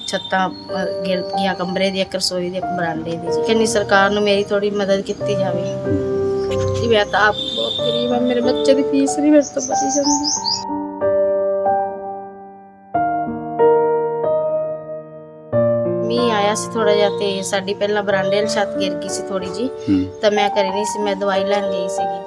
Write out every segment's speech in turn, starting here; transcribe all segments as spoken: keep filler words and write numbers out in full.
ਛੱਤਾਂ ਅ, ਗਿਰ ਗਈਆਂ, ਕਮਰੇ ਦੀ, ਇੱਕ ਰਸੋਈ ਦੀ, ਇੱਕ ਬਰਾਂਡੇ ਦੀ ਜੀ। ਕਿੰਨੀ ਸਰਕਾਰ ਨੂੰ ਮੇਰੀ ਥੋੜੀ ਮਦਦ ਕੀਤੀ ਜਾਵੇ ਜੀ। ਮੈਂ ਤਾਂ ਆਪ ਬਹੁਤ ਗਰੀਬ ਆ, ਮੇਰੇ ਬੱਚੇ ਦੀ ਫੀਸ ਨਹੀਂ ਮੇਰੇ ਤੋਂ ਭਰੀ ਜਾਂਦੀ। ਮੀਂਹ ਆਇਆ ਸੀ ਥੋੜਾ ਜਿਹਾ ਤੇ ਸਾਡੀ ਪਹਿਲਾਂ ਬਰਾਂਡੇ ਵਾਲੀ ਛੱਤ ਗਿਰ ਗਈ ਸੀ ਥੋੜੀ ਜੀ, ਤਾਂ ਮੈਂ ਘਰੇ ਨਹੀਂ ਸੀ, ਮੈਂ ਦਵਾਈ ਲੈਣ ਗਈ ਸੀਗੀ।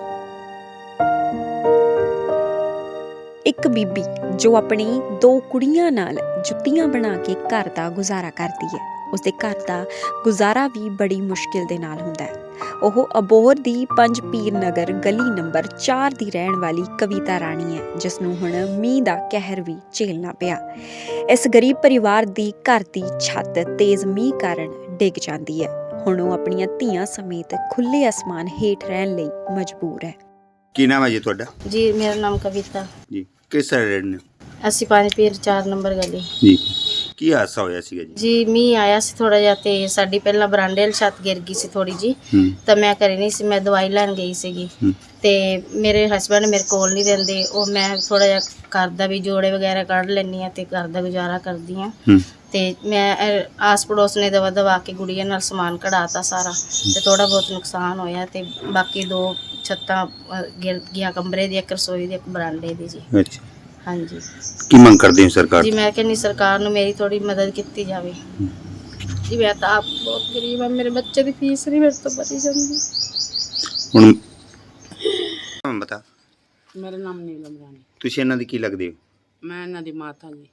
ਇੱਕ ਬੀਬੀ ਜੋ ਆਪਣੀ ਦੋ ਕੁੜੀਆਂ ਨਾਲ ਜੁੱਤੀਆਂ ਬਣਾ ਕੇ ਘਰ ਦਾ ਗੁਜ਼ਾਰਾ ਕਰਦੀ ਹੈ। ਉਸਦੇ ਘਰ ਦਾ ਗੁਜ਼ਾਰਾ ਵੀ ਬੜੀ ਮੁਸ਼ਕਿਲ ਦੇ ਨਾਲ ਹੁੰਦਾ ਹੈ। ਉਹ ਅਬੋਹਰ ਦੀ ਪੰਜ ਪੀਰ ਨਗਰ ਗਲੀ ਨੰਬਰ ਚਾਰ ਦੀ ਰਹਿਣ ਵਾਲੀ ਕਵਿਤਾ ਰਾਣੀ ਹੈ, ਜਿਸ ਨੂੰ ਹੁਣ ਮੀਂਹ ਦਾ ਕਹਿਰ ਵੀ ਝੇਲਣਾ ਪਿਆ। ਇਸ ਗਰੀਬ ਪਰਿਵਾਰ ਦੀ ਘਰ ਦੀ ਛੱਤ ਤੇਜ਼ ਮੀਂਹ ਕਾਰਨ ਡਿੱਗ ਜਾਂਦੀ ਹੈ। ਹੁਣ ਉਹ ਆਪਣੀਆਂ ਧੀਆਂ ਸਮੇਤ ਖੁੱਲੇ ਅਸਮਾਨ ਹੇਠ ਰਹਿਣ ਲਈ ਮਜਬੂਰ ਹੈ। ਕੀ ਨਾਮ ਹੈ ਜੀ ਤੁਹਾਡਾ? ਜੀ ਮੇਰਾ ਨਾਮ ਕਵਿਤਾ ਜੀ ਕਿਸ ਸਾਈਡ ਰਹਿੰਦੇ ਹੋ? ਅਸੀਂ ਪੰਜ ਪੀਰ ਚਾਰ ਨੰਬਰ ਗਲੀ ਜੀ। ਕੀ ਹਾਦਸਾ ਹੋਇਆ ਸੀਗਾ ਜੀ? ਜੀ ਮੀਂਹ ਆਇਆ ਸੀ ਥੋੜਾ ਜਿਹਾ ਤੇ ਸਾਡੀ ਪਹਿਲਾਂ ਬਰਾਂਡੇ ਵਾਲੀ ਛੱਤ ਗਿਰ ਗਈ ਸੀ ਥੋੜੀ ਜੀ, ਤਾਂ ਮੈਂ ਘਰੇ ਨਹੀਂ ਸੀ, ਮੈਂ ਦਵਾਈ ਲੈਣ ਗਈ ਸੀਗੀ। ਤੇ ਮੇਰੇ ਹਸਬੰਡ ਮੇਰੇ ਕੋਲ ਨਹੀਂ ਰਹਿੰਦੇ, ਉਹ ਮੈਂ ਥੋੜਾ ਜਿਹਾ ਘਰ ਦਾ ਵੀ ਜੋੜੇ ਵਗੈਰਾ ਕੱਢ ਲੈਂਦੀ ਹਾਂ ਤੇ ਘਰ ਦਾ ਗੁਜ਼ਾਰਾ ਕਰਦੀ ਹਾਂ। ਤੇ ਮੈਂ ਅ, ਆਸ ਪੜੋਸ ਨੇ ਦਵਾ ਦਵਾ ਕੇ ਗੁੜੀਆਂ ਨਾਲ ਸਮਾਨ ਕਢਾਤਾ ਸਾਰਾ, ਤੇ ਥੋੜਾ ਬਹੁਤ ਨੁਕਸਾਨ ਹੋਇਆ। ਤੇ ਬਾਕੀ ਦੋ ਛੱਤਾਂ ਅ, ਗਿਰ ਗਈਆਂ, ਕਮਰੇ ਦੀ, ਇੱਕ ਰਸੋਈ ਦੀ, ਇੱਕ ਬਰਾਂਡੇ ਦੀ ਜੀ। ਅੱਛਾ, ਹਾਂਜੀ। ਕੀ ਮੰਗ ਕਰਦੇ ਹੋ ਸਰਕਾਰ ਜੀ ਤੋਂ? ਮੈਂ ਕਹਿੰਦੀ ਸਰਕਾਰ ਨੂੰ ਮੇਰੀ ਥੋੜੀ ਮਦਦ ਕੀਤੀ ਜਾਵੇ ਜੀ। ਮੈਂ ਤਾਂ ਆਪ ਬਹੁਤ ਗਰੀਬ ਆ, ਮੇਰੇ ਬੱਚੇ ਦੀ ਫੀਸ ਨਹੀਂ ਮੇਰੇ ਤੋਂ ਭਰੀ ਜਾਂਦੀ। ਹੁਣ ਨਾਮ ਬਤਾ। ਮੇਰਾ ਨਾਮ ਨੀਲਮ ਰਾਣੀ। ਤੁਸੀਂ ਇਹਨਾਂ ਦੀ ਕੀ ਲੱਗਦੇ ਹੋ? ਮੈਂ ਇਹਨਾਂ ਦੀ ਮਾਤਾ ਜੀ।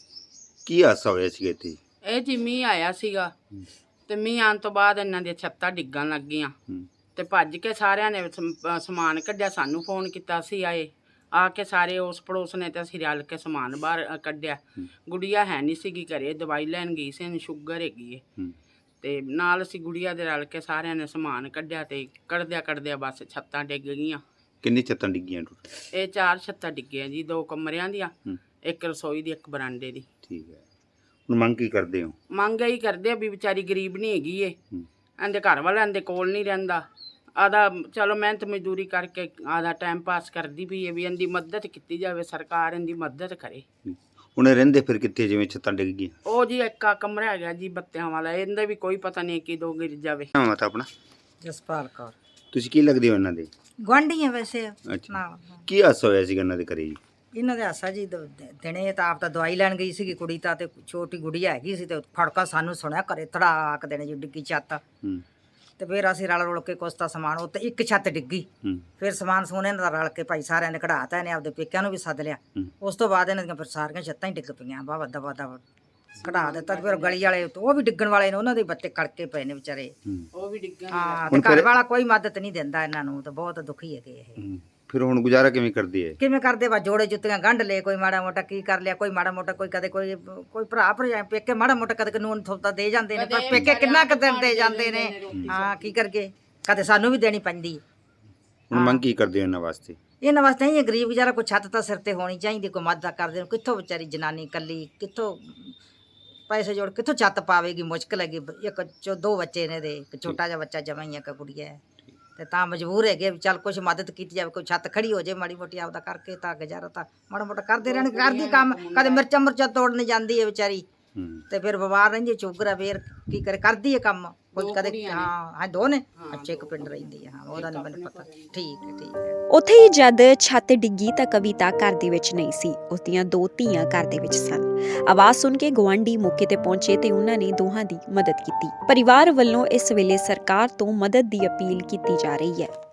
ਕੀ ਹਾਦਸਾ ਹੋਇਆ ਸੀਗਾ ਇੱਥੇ? ਇਹ ਜੀ ਮੀਂਹ ਆਇਆ ਸੀਗਾ ਤੇ ਮੀਂਹ ਆਉਣ ਤੋਂ ਬਾਅਦ ਇਹਨਾਂ ਦੀਆਂ ਛੱਤਾਂ ਡਿੱਗਣ ਲੱਗ ਗਈਆਂ ਤੇ ਭੱਜ ਕੇ ਸਾਰਿਆਂ ਨੇ ਸਮ- ਸਮਾਨ ਕੱਢਿਆ, ਸਾਨੂੰ ਫੋਨ ਕੀਤਾ, ਅਸੀਂ ਆਏ, ਆ ਕੇ ਸਾਰੇ ਉਸ ਪੜੋਸ ਨੇ ਤੇ ਅਸੀਂ ਰਲ ਕੇ ਸਮਾਨ ਬਾਹਰ ਅ, ਕੱਢਿਆ। ਗੁੜੀਆ ਹੈ ਨਹੀਂ ਸੀਗੀ ਘਰੇ, ਦਵਾਈ ਲੈਣ ਗਈ ਸੀ, ਇਹਨੂੰ ਸ਼ੂਗਰ ਹੈਗੀ ਏ। ਤੇ ਨਾਲ ਅਸੀਂ ਗੁੜੀਆ ਦੇ ਰਲ ਕੇ ਸਾਰਿਆਂ ਨੇ ਸਮਾਨ ਕੱਢਿਆ ਤੇ ਕੱਢਦਿਆਂ ਕੱਢਦਿਆਂ ਬਸ ਛੱਤਾਂ ਡਿੱਗ ਗਈਆਂ। ਕਿੰਨੀ ਛੱਤਾਂ ਡਿੱਗੀਆਂ ਟੋਟਲ? ਇਹ ਚਾਰ ਛੱਤਾਂ ਡਿੱਗੀਆਂ ਜੀ, ਦੋ ਕਮਰਿਆਂ ਦੀਆਂ, ਇੱਕ ਰਸੋਈ ਦੀ, ਇੱਕ ਬਰਾਂਡੇ ਦੀ। ਠੀਕ ਹੈ। ਹੁਣ ਮੰਗ ਕੀ ਕਰਦੇ ਹੋ? ਮੰਗ ਇਹੀ ਕਰਦੇ ਆ ਵੀ ਵਿਚਾਰੀ ਗਰੀਬ ਨਹੀਂ ਹੈਗੀ ਏ, ਇਹਦੇ ਘਰ ਵਾਲਿਆਂ ਦੇ ਕੋਲ ਨਹੀਂ ਰਹਿੰਦਾ, ਆਦਾ ਚਲੋ ਮਿਹਨਤ ਮਜ਼ਦੂਰੀ ਕਰਕੇ ਆਦਾ ਟਾਈਮ ਪਾਸ ਕਰਦੀ ਵੀ ਹੈ, ਵੀ ਇਹਦੀ ਮਦਦ ਕੀਤੀ ਜਾਵੇ, ਸਰਕਾਰ ਇਹਦੀ ਮਦਦ ਕਰੇ। ਹੁਣ ਇਹ ਰਹਿੰਦੇ ਫਿਰ ਕਿੱਥੇ ਜਿਵੇਂ ਛੱਤਾਂ ਡਿੱਗ ਗਈਆਂ? ਉਹ ਜੀ ਇੱਕ ਆ ਕਮਰਾ ਹੈਗਾ ਜੀ ਬੱਤਿਆਂ ਵਾਲਾ, ਇਹਦਾ ਵੀ ਕੋਈ ਪਤਾ ਨਹੀਂ ਕਿ ਦੋ ਗਿਰ ਜਾਵੇ। ਨਾਮ ਬਤਾ ਆਪਣਾ। ਜਸਪਾਲ ਕੌਰ। ਤੁਸੀਂ ਕੀ ਲੱਗਦੇ ਹੋ ਇਹਨਾਂ ਦੇ? ਗੁਆਂਢੀ ਆ ਵੈਸੇ ਅੱਛਾ। ਨਾਲ। ਕੀ ਹਾਦਸਾ ਹੋਇਆ ਸੀਗਾ ਇਹਨਾਂ ਦੇ ਘਰੇ ਜੀ? ਇਹਨਾਂ ਦੇ ਹਾਸਾ ਜੀ ਦ- ਦਿਨੇ ਤਾਂ ਆਪ ਤਾਂ ਦਵਾਈ ਲੈਣ ਗਈ ਸੀਗੀ ਕੁੜੀ ਤਾਂ, ਤੇ ਛੋਟੀ ਗੁੜੀਆ ਹੈਗੀ ਸੀ, ਤੇ ਫੜਕਾ ਸਾਨੂੰ ਸੁਣਿਆ ਘਰੇ ਧੜਾਕ ਦੇਣੇ ਜੀ ਡਿੱਗੀ ਛੱਤ। ਹੂੰ ਤੇ ਫਿਰ ਅਸੀਂ ਰਲ ਰੁਲ ਕੇ ਕੁਛ ਤਾਂ ਸਮਾਨ ਉੱਤੇ ਇੱਕ ਛੱਤ ਡਿੱਗੀ, ਹੂੰ ਫਿਰ ਸਮਾਨ ਸਮੂਨ ਇਹਨਾਂ ਦਾ ਰਲ ਕੇ ਭਾਈ ਸਾਰਿਆਂ ਨੇ ਕਢਾਤਾ, ਇਹਨੇ ਆਪਦੇ ਪੇਕਿਆਂ ਨੂੰ ਵੀ ਸੱਦ ਲਿਆ। ਉਸ ਤੋਂ ਬਾਅਦ ਇਹਨਾਂ ਦੀਆਂ ਫਿਰ ਸਾਰੀਆਂ ਛੱਤਾਂ ਹੀ ਡਿੱਗ ਪਈਆਂ, ਵਾਹ ਦਵਾ ਦਵਾ ਕਢਾ ਦਿੱਤਾ। ਤੇ ਫਿਰ ਗਲੀ ਵਾਲੇ ਉਹ ਵੀ ਡਿੱਗਣ ਵਾਲੇ ਨੇ, ਉਹਨਾਂ ਦੇ ਬੱਚੇ ਕੜਕੇ ਪਏ ਨੇ ਵਿਚਾਰੇ। ਉਹ ਵੀ ਡਿੱਗਣ। ਹਾਂ, ਤੇ ਘਰ ਵਾਲਾ ਕੋਈ ਮਦਦ ਨਹੀਂ ਦਿੰਦਾ ਇਹਨਾਂ ਨੂੰ, ਤਾਂ ਬਹੁਤ ਦੁਖੀ ਹੈਗੇ ਇਹ। ਹੂੰ। ਫਿਰ ਹੁਣ ਗੁਜ਼ਾਰਾ ਕਿਵੇਂ ਕਰਦੇ ਹੈ? ਕਿਵੇਂ ਕਰਦੇ ਵਾ, ਜੋੜੇ ਜੁੱਤੀਆਂ ਗੰਢ ਲਏ, ਕੋਈ ਮਾੜਾ ਮੋਟਾ ਕੀ ਕਰ ਲਿਆ, ਕੋਈ ਮਾੜਾ ਮੋਟਾ ਕੋਈ ਕਦੇ ਕੋਈ ਕੋਈ ਭਰਾ ਭਰਾ ਪੇਕੇ ਮਾੜਾ ਮੋਟਾ ਕਦੇ ਕਾਨੂੰਨ ਥੋਤਾ ਦੇ ਜਾਂਦੇ ਨੇ, ਪਰ ਪੇਕੇ ਕਿੰਨਾ ਕੁ ਦਿਨ ਦੇ ਜਾਂਦੇ ਨੇ। ਹਾਂ, ਕੀ ਕਰਗੇ, ਕਦੇ ਸਾਨੂੰ ਵੀ ਦੇਣੀ ਪੈਂਦੀ। ਹੁਣ ਮੰਗ ਕੀ ਕਰਦੇ ਹੋ ਇਹਨਾਂ ਵਾਸਤੇ? ਇਹਨਾਂ ਵਾਸਤੇ ਨਹੀਂ, ਗਰੀਬ ਵਿਚਾਰਾ ਕੋਈ ਛੱਤ ਤਾਂ ਸਿਰ ਤੇ ਹੋਣੀ ਚਾਹੀਦੀ, ਕੋਈ ਮਦਦ ਕਰਦੇ ਨੇ। ਕਿੱਥੋਂ ਵਿਚਾਰੀ ਜਨਾਨੀ ਇਕੱਲੀ ਕਿੱਥੋਂ ਪੈਸੇ ਜੋੜ ਕਿੱਥੋਂ ਛੱਤ ਪਾਵੇਗੀ, ਮੁਸ਼ਕਿਲ ਹੈਗੀ। ਇੱਕ ਚੋ ਦੋ ਬੱਚੇ ਨੇ ਦੇ, ਇੱਕ ਛੋਟਾ ਜਿਹਾ ਬੱਚਾ ਜਮਾਂ ਹੀ ਇੱਕ ਕੁੜੀ ਹੈ, ਤੇ ਤਾਂ ਮਜਬੂਰ ਹੈਗੇ ਵੀ ਚੱਲ ਕੁਛ ਮਦਦ ਕੀਤੀ ਜਾਵੇ, ਕੋਈ ਛੱਤ ਖੜੀ ਹੋ ਜਾਏ ਮਾੜੀ ਮੋਟੀ, ਆਪਦਾ ਕਰਕੇ ਤਾਂ ਗੁਜ਼ਾਰਾ ਤਾਂ ਮਾੜਾ ਮੋਟਾ ਕਰਦੇ ਰਹਿਣ। ਕਰਦੀ ਕੰਮ, ਕਦੇ ਮਿਰਚਾਂ ਮੁਰਚਾਂ ਤੋੜਨ ਜਾਂਦੀ ਹੈ ਵਿਚਾਰੀ, ਤੇ ਫਿਰ ਬਿਮਾਰ ਰਹਿੰਦੀ ਹੈ, ਸ਼ੂਗਰ ਹੈ, ਫਿਰ ਕੀ ਕਰੇ, ਕਰਦੀ ਹੈ ਕੰਮ ਕੁਝ ਕਦੇ। ਹਾਂ ਹਾਂ, ਦੋ ਨੇ, ਅੱਛੇ ਇੱਕ ਪਿੰਡ ਰਹਿੰਦੀ ਹੈ। ਹਾਂ, ਉਹਦਾ ਨਹੀਂ ਮੈਨੂੰ ਪਤਾ। ਠੀਕ ਹੈ, ਠੀਕ ਹੈ। ਉੱਥੇ ਹੀ ਜਦ ਛੱਤ ਡਿੱਗੀ ਤਾਂ ਕਵਿਤਾ ਘਰ ਦੇ ਵਿੱਚ ਨਹੀਂ ਸੀ, ਉਸਦੀਆਂ ਦੋ ਧੀਆਂ ਘਰ ਦੇ ਵਿੱਚ ਸਨ। ਆਵਾਜ਼ ਸੁਣ ਕੇ ਗੁਆਂਢੀ ਮੌਕੇ ਤੇ ਪਹੁੰਚੇ ਤੇ ਉਹਨਾਂ ਨੇ ਦੋਹਾਂ ਦੀ ਮਦਦ ਕੀਤੀ। ਪਰਿਵਾਰ ਵੱਲੋਂ ਇਸ ਵੇਲੇ ਸਰਕਾਰ ਤੋਂ ਮਦਦ ਦੀ ਅਪੀਲ ਕੀਤੀ ਜਾ ਰਹੀ ਹੈ।